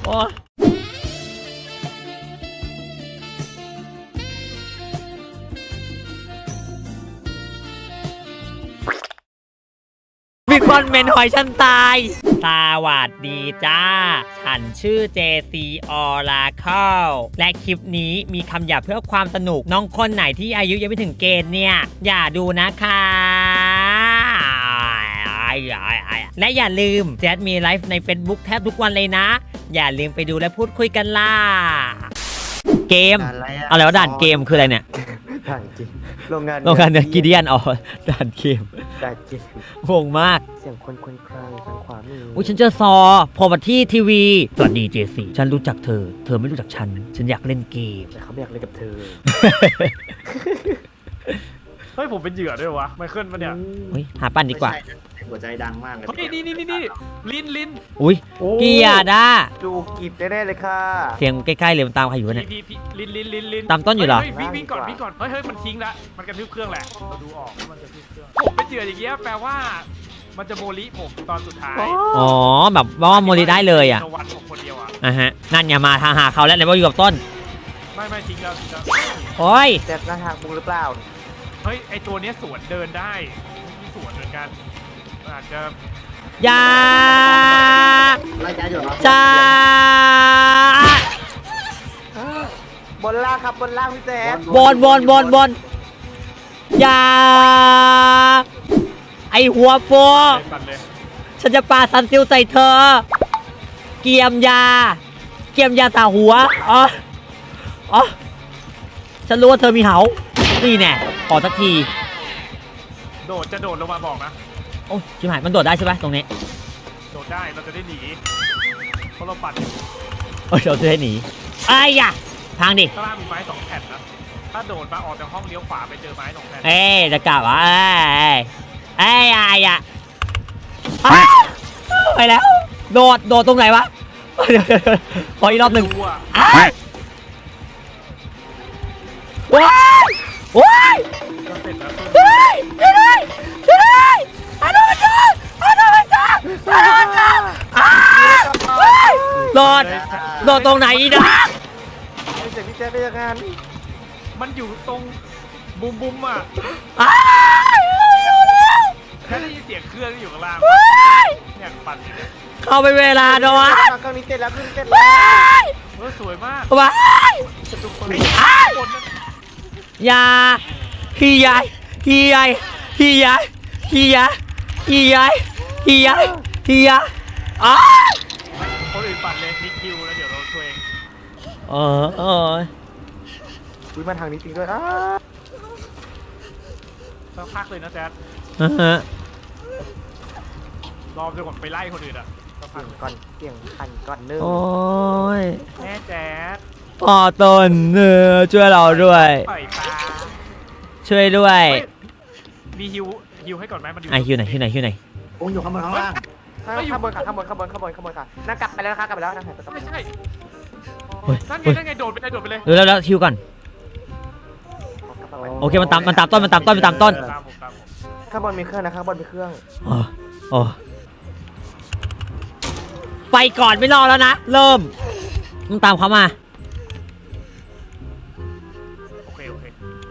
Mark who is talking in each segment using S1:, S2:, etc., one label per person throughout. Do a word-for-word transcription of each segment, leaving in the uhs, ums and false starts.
S1: โอ้มีคนเมนหอยฉันตายสวัสดีจ้าฉันชื่อ เจ ซี Oracle และคลิปนี้มีคำหยาบเพื่อความสนุกน้องคนไหนที่อายุยังไม่ถึงเกณฑ์เนี่ยอย่าดูนะคะและอย่าลืมแจ๊ดมีไลฟ์ใน Facebook แทบทุกวันเลยนะอย่าลืมไปดูและพูดคุยกันล่ะเกมอะไรวะด่านเกมคืออะไรเนี่ย
S2: ด่านเกมโรงงาน
S1: โรงงานเนื้อกิเดียนอ๋อด่านเกม
S2: ด่านเกม
S1: งงมาก
S2: เสียงคนคนคลางทางขวามือ
S1: อุ้ยฉันเจอซอพอมาที่ทีวีสวัสดีเจสี่ฉันรู้จักเธอเธอไม่รู้จักฉันฉันอยากเล่นเกม
S2: แต่เขาไม่อยากเล่นกับเธอ
S3: เฮ้ยผมเป็นเหยื่อด้วยวะไมเคิลปะเนี่ย
S1: เฮ้ยหาปั้นดีกว่า
S4: หัวใจดังมากเลย
S3: นี่นี่นี่นี่ลินลิน
S1: อุ้ยเกียร์ด้า
S2: จูกิบแน่ๆเลยค่ะ
S1: เสียงใกล้ๆเลยมันตามใครอยู่เนี่ย
S3: ลินลินลินลิน
S1: ตามต้นอยู่เหรอ
S3: วิ่งวิ่งก่อนวิ่งก่อนเฮ้ยเฮ้ยมันทิ้งละมันกระทืบเครื่องแหละเราดูออกมันกระทืบเครื่องผมเป็นเหยื่ออย่างเงี้ยแปลว่ามันจะโมลิผมตอนสุดท้าย
S1: อ๋อแบบว่าโมลิได้เลยอ่ะ
S3: วันผมคนเดียวอ่ะ
S1: อ่ะฮะนั่นอย่ามาทางหาเขาแล้วเลยว่าอยู่กับต้น
S3: ไม่ไม่ทิ้งแล้วทิ้งแล้ว
S1: โอ้ย
S2: แต่หน้าทางบุงหรือเปล่า
S3: เฮ้ยไอตัวเนี้ยสวนเดินได้มีสวนเหมือนกันอาจจะ
S1: ยาจ้า
S2: บนล่างครับบนล่างพี่แจ๊ด
S1: บนบนบนบนยาไอหัวโฟฉันจะปาซันซิลใส่เธอเกียมยาเกียมยาตาหัวอ๋ออ๋อฉันรู้ว่าเธอมีเหานี่แน่ขอสักที
S3: โดดจะโดดลงมาบอกนะ
S1: โอ้ชิบหายมันโดดได้ใช่ไหมตรงนี้
S3: โดดได้เราจะได้หนีเพราะเราปัด
S1: โอ้ยเราจะได้หนีไอ้ยะทางดิ
S3: ข้างล่างมีไม้สองแผ่นนะถ้าโดดมาออกจากห้องเลี้ยวขวาไปเจอไม้สองแผ่น
S1: เอ๊จะกลับวะเอ้ยเอ้ยไอ้ยะไปแล้วโดดโดดตรงไหนวะขออีกรอบหนึ่งว้ายว้ายช่วยช่วยด้วยช่วยด้วยอาโดนจ้าอาโดนจ้าอาโดนจ้าโดดโดดตรงไหนอีนะ
S2: ไม่เสียงพี่แจ๊ดได้ยังไง
S3: มันอยู่ตรงบุมบุมอ่ะ
S1: อยู่แล้ว
S3: แค่ได้ยินเสียงเครื่องอยู่ข้างล่างเนี่ยปั่นอยู่เนี่ย
S1: เข้าไปเวลาโดน
S2: เครื่องนี้เสร็จแล้วเครื่องนี้เสร็จแล้ว
S3: เออสวยมาก
S1: ว้ายยาพี่ใหญ่พี่ใหญ่พี่ใหญ่พี่ใหญ่พี่ใหญ่พี่ใหญ่พี่ใหญ่อ้า
S3: คนอื่นปั่นเลยนิกคิวแล้วเดี๋ยวเราช่วยเอง
S1: เออเออ
S2: วิ่งมาทางนี้จริงด้วยอ้า
S3: สักพักเลยนะแจ๊ดรอจนกว่าไปไล่คนอื่นอ่ะ
S2: สักพักก่อนเสียงพันก่อนเนื้อ
S1: โอ้ย
S3: แม่แจ๊ด
S1: พ่อต้นเนื้อช่วยเราด้วยช่วยด้วย
S3: มีฮิวฮิวให้ก่อนไหมมันอยู่
S1: ไอฮิวไหนฮิวไหนฮิวไหน
S4: ผมอยู่ข้างบนข้างล่าง
S2: ข้างบนค่ะข้างบนข้างบนข้างบนข้างบนค่ะนั่งกลับไปแล้วนะคะกลับไปแล้วนั่งหายไป
S3: ไม่ใช่นั่นไงนั่นไงโดดไปเลยโดดไปเลย
S1: เร็วแล้วฮิวก่อนโอเคมันตามมันตามต้นมันตามต้นมันตามต้น
S2: ข้างบนมีเครื่องนะข้างบนมีเครื่อง
S1: อ๋ออ๋อไปก่อนไม่รอแล้วนะเริ่มมึงตามเขามา
S3: โอเคโอเค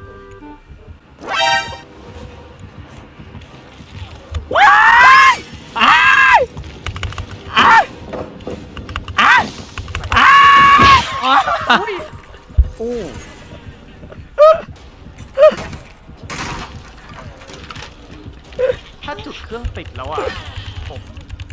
S1: ว้ายอ้ายอ้ายอ้ายอ้ายอู้
S3: ถ้าจุดเครื่องติดแล้วอ่ะผม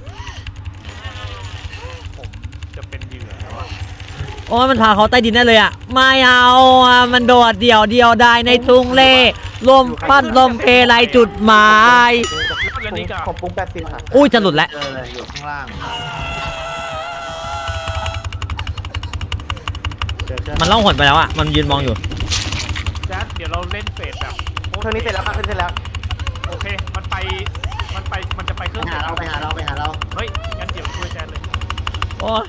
S3: ผมจะเป็นเหยื่อแล้วอ่ะ
S1: โอ้ยมันพาเขาใต้ดินได้เลยอ่ะไม่เอาอ่ะมันโดดเดี่ยวเดียวได้ในทุ่งเล่ลมพัดลมเพลายจุดหมาย
S2: ผมปุ้งแปดสิบค่ะ
S1: อุ้ยจะหลุดแล้ว
S4: อยู่ข้างล่าง
S1: มันล่องหนไปแล้วอ่ะมันยืนมองอยู่
S3: แจ๊ดเดี๋ยวเราเล่นเฟสแบบ
S2: เครื่องนี้เสร็จแล้วค่ะเครื่องเสร็จแล้ว
S3: โอเคมันไปมันไปมันจะไปเครื่อง
S4: หาเราไปหาเราไปหาเรา
S3: เฮ้ยงั้นเดี๋ยวช่วยแจ๊ดเลย
S1: โอ้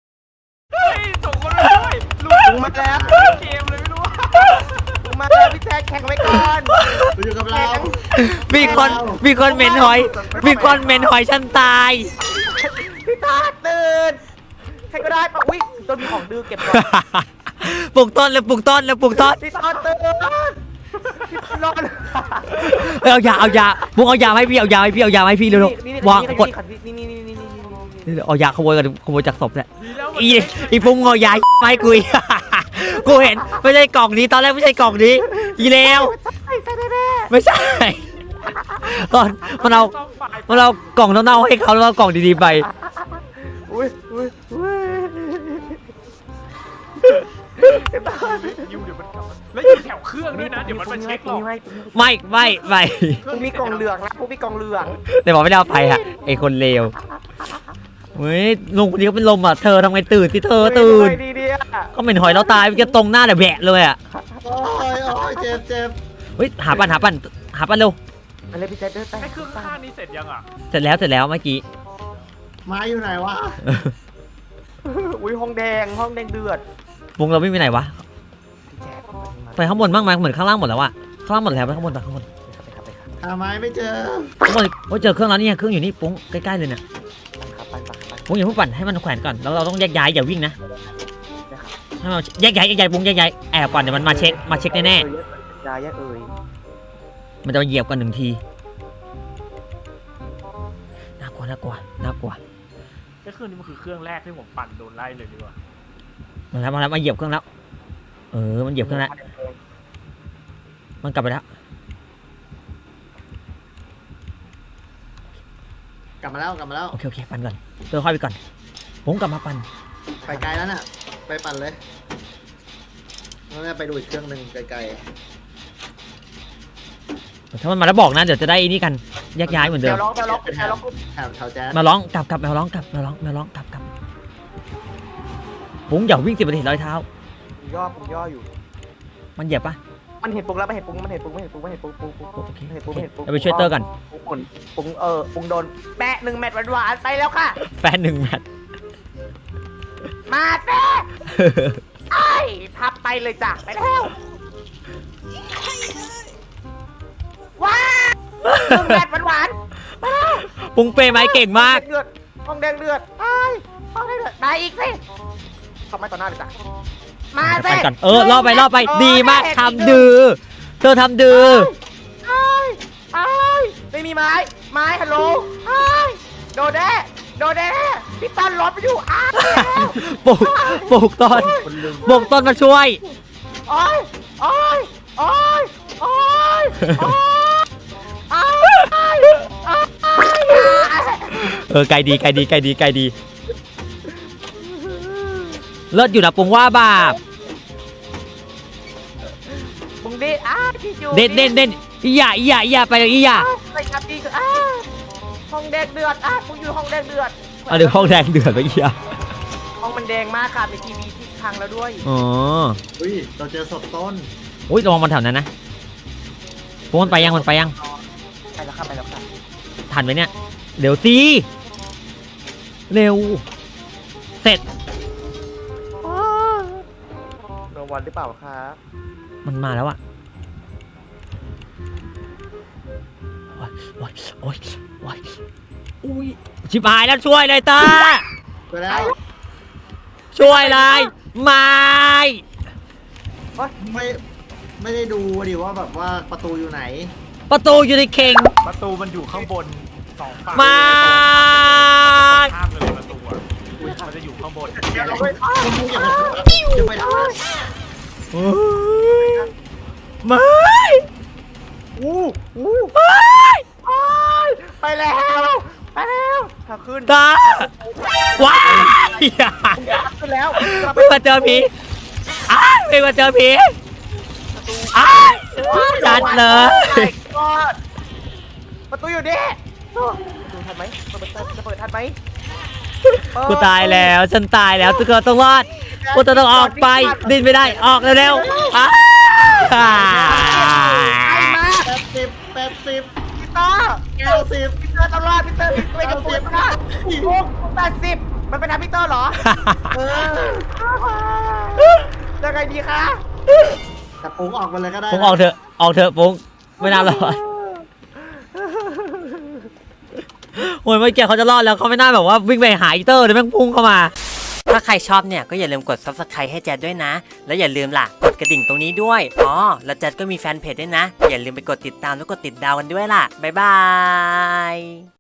S3: เฮ้ยส่งคนมาด้วยลุง
S2: มาแล้ว
S3: เกมเลยไม่รู้
S2: ลุงมาแล้วพี่แจ๊ค่แข่งไว้ก่อน
S4: ไปอยู่กับเรา
S1: มีคนมีคนเหม็นหอย มีคนเหม็นหอยฉันตาย
S2: พี่ตาตื่นใครก็ได้ปะอุ้ยต้นมีของดื้อเก็บก่อน
S1: ปลูกต้นเลยปลูกต้นเลยปลูกต้น
S2: พี่ตาตื่นพี่นอน
S1: เอ้ยเอายาเอายาปุ้งเอายาให้พี่เอายาให้พี่เอายาให้พี่เร็วๆวางกด
S2: นี่นี่นี่นี่นี่
S1: เอายาขโมยกันขโมยจากศพเนี่ย
S3: ดีแล้ว
S1: อีอีปุ้งเอายาไม่กุย กูเห็นไม่ใช่กล่องนี้ตอนแรกไม่ใช่กล่องนี้อีเลว
S2: ใช่ใช่แน่
S1: ไม่ใช่ตอนมันเอา
S3: ซ่อมไฟ
S1: มันเอากล่องเน่าๆให้เขาแล้วเอากล่องดีๆไป
S2: อุ้ยอุ้ยอุ้ย
S3: ยิวเดี๋ยวมันกลับมาแล้วอยู่แถวเครื่องด้วยนะเดี๋ยวมันมาเช็คหรอก
S1: ไม่ไม่ไม่
S2: พวกมีกล่องเหลืองนะพวกมีกล่องเหลือง
S1: แต่บอกไม่ได้เอาไปฮะไอคนเลวเฮ้ยลุงคนนี้เขาเป็นลมอ่ะเธอทำไงตื่นสิเธอตื่น
S2: ดีดีอ่ะ
S1: ก็เหม็นหอยเราตายมันจะตรงหน้าแต่แบะเลยอ่ะ
S4: โอ้ยโอ้ยเจ็บเจ็บ
S1: เฮ้ยหาปันหาปันหาปันเร็ว
S2: อะไรพี่แจ๊ดเดินไป
S3: ไอ้เครื่องข้างนี้เสร็จยังอ่ะ
S1: เสร็จแล้วเสร็จแล้วเมื่อกี้
S4: ไม้อยู่ไหนวะ
S2: อุ้ยห้องแดงห้องแดงเดือด
S1: วงเราไม่มีไหนวะ
S2: พี่แจ๊ด
S1: ไปข้างบนบ้างไหมเหมือนข้างล่างหมดแล้วอะข้างล่างหมดแล้วไปข้างบนไปข้างบน
S2: ไปครับไปครับ
S4: หาไม้ไม่เจอ
S1: ข้างบนโอ้ยเจอเครื่องแล้วนี่ไงเครื่องอยู่นี่ปุ้งใกล้ๆเลยเนี่ย
S2: ครับไปครับไป
S1: ปุ้งอย่าเพิ่งปั่นให้มันแขวนก่อนแล้วเราต้องแยกย้ายอย่าวิ่งนะ
S2: นะครับ
S1: ให้มันแยกย้ายแยกย้ายปุ้งแยกย้ายแอบก่อนเดี๋ยวมันมาเช็คมาเช็คแน่
S2: ยายเอ่ย
S1: ๆมันจะมาเหยียบกันหนึ่งทีน่ากลัวน่ากลัวน่ากลัว
S3: ไอ้เครื่องนี้มันคือเครื่องแรกที่ผมปั่นโดนไล่เลยดีกว่า
S1: มาแล้วมาแล้วมาเหยียบเครื่องแล้วเออมันเหยียบเครื่องแล้วมันกลับไปแล้ว
S4: กลับมาแล้วกลับมาแล้ว
S1: โอเคโอเคปั่นก่อนเติมค่อยไปก่อนปุ้งกลับมาปั่น
S4: ไปไกลแล้วน่ะไปปั่นเลยแล้วเนี่ยไปดูอีกเครื่องหนึ่งไกล
S1: ถ้ามันมาแล้วบอกนะเดี๋ยวจะได้นี่กันแยกย้ายเหมือนเดิ
S2: เดี๋ย
S1: ม
S2: วร้องเดี๋ยวร้อง
S4: ๆเป็น
S2: เดี๋ยวร้อง
S4: แถวแถวแจ๊ส
S1: มาร้องกลับกลับมาร้องกลับมาร้องมาร้องกลับกลับปุ้งอย่าวิ่งสิบนาทีร้อยเท้า
S2: ผมย่อผมย่ออยู่
S1: มันเหยียบปะ
S2: มันเห็นปุ้งแล้วมันเห็นปุ้งมันเห็นปุ้งมันเห็นปุ้งมันเห็นปุ้งปุ้งปุ้ง
S1: โอเค
S2: เห็น
S1: โอ
S2: ปุ้ง
S1: เค
S2: เห็นปุ้ง
S1: เราไปช่วยเตอร์ก่อน
S2: ปุ้งปุ้งปุ้งเออปุ้งโดนแปะหนึ่งแมตช์หวานๆไปแล้วค่ะ
S1: แฟนหนึ่งแมตช์
S2: มาเต้ไอ้พับไปเลยจ้ะไปแล้วว้าวหนึ่งแมตช์หวานๆไปแล้ว
S1: ปุ้งเปย์ไม้เก่งมาก
S2: ห้องแดงเดือดไอ้ห้องแดงเดือดมาอีกสิเข้ามาต่อหน้าเลยจ้ะมา
S1: ไป
S2: สิ
S1: ก่อนเออล่อไปล่อไป
S2: เออ
S1: ดีมาก
S2: ได้
S1: ทำดื้อเธอทำดื้อ
S2: ไอ้ไอ้ไม่มีไม้ไม้ฮัลโหลไอ้โดนแน่โดนแน่พี่ตันรถไปอยู่อ้าว
S1: ปลูกปลูกต้นปลูกต้นมาช่วย
S2: โอ้ยโอ้ยโอ้ยโอ้ยโอ้ยโอ้ยโอ้ย
S1: เออไกลดีไกลดีไกลดีไกลดีเลิศอยู่นะปุ้งว่าบาป
S2: มึงเด็ดอ้าที่อยู่
S1: เด่นเด่นเด่นอีหย่าอีหย่าอีหย่าไปเลยอีหย่า
S2: ไปครับดีคืออ้าห้องแดงเดือดอ้ามึงอยู่ห้องแดงเดือด
S1: เอาเดี๋ยวห้องแดงเดือดไปอีหย่า
S2: ห้องมันแดงมากค่ะในทีวีที่พังแล้วด้วย
S1: อ๋อ
S4: อุ้ยเราเจอศพต้น
S1: อุ้ยระวังมันแถวนั้นนะปุ้งมันไปยังมันไปยัง
S2: ไปแล้วค่ะไปแล้วค่ะ
S1: ทันไหมเนี่ยเร็วสิเร็วเสร็จ
S2: โนวันหรือเปล่าคะ
S1: มันมาแล้วอะโอ๊ยโอ๊ยโอ๊ยโอ๊ยอุ้ยชิบหายแล้วช่วยเลยตา
S4: ไปแล้ว
S1: ช่วยเลยไม่
S4: ไม่ไม่ได้ดูดิว่าแบบว่าประตูอยู่ไหน
S1: ประตูอยู่ในเข่ง
S3: ประตูมันอยู่ข้างบนสองฝั่ง
S1: ไม่
S3: ข้ามเลยประตูอ่ะมันจะอยู่ข้างบน
S2: เดี๋ยวเราไป
S4: คุณมุกอย่าไปอย่าไปทำ
S1: โอ๊ยไม่
S2: อู้อู้
S1: ไม่
S2: โอ้ยไปแล้ว ไปแล้วถ้าขึ้น
S1: ตาว้าย
S2: ขึ้นแล้ว
S1: ไม่มาเจอผีอ้ายไม่มาเจอผีอ้ายจัดเลย
S2: ประตูอยู่ดิประตูทันไหมเปิดจะเปิดทันไหม
S1: กูตายแล้วฉันตายแล้วทุกคนต้องรอดกูจะต้องออกไปดิ้นไม่ได้ออกเร็วๆอ้า
S2: ไปมา
S4: แปดสิบแปดสิบ
S2: พี่เตอร์
S4: เก้าสิบ
S2: พี่เตอร์ตลอดพี่เตอร์ไปกับตัวนะโอ้แปดสิบมันเป็นทางพี่เตอร์เหรอ เออยังไงดีคะ
S4: แต่ปุ้งออกมาเลยก็ได้
S1: ปุ้งออกเถอะออกเถอะปุ้งไม่น่ารอดโอ้ยเมื่อกี้เขาจะรอดแล้วเขาไม่น่าแบบว่าวิ่งไปหาอีเตอร์เลยแม่งพุ่งเข้ามาถ้าใครชอบเนี่ยก็อย่าลืมกด ซับสไครบ์ ให้แจดด้วยนะแล้วอย่าลืมล่ะกดกระดิ่งตรงนี้ด้วยอ๋อแล้วแจดก็มีแฟนเพจด้วยนะอย่าลืมไปกดติดตามแล้วกดติดดาวกันด้วยล่ะบ๊ายบาย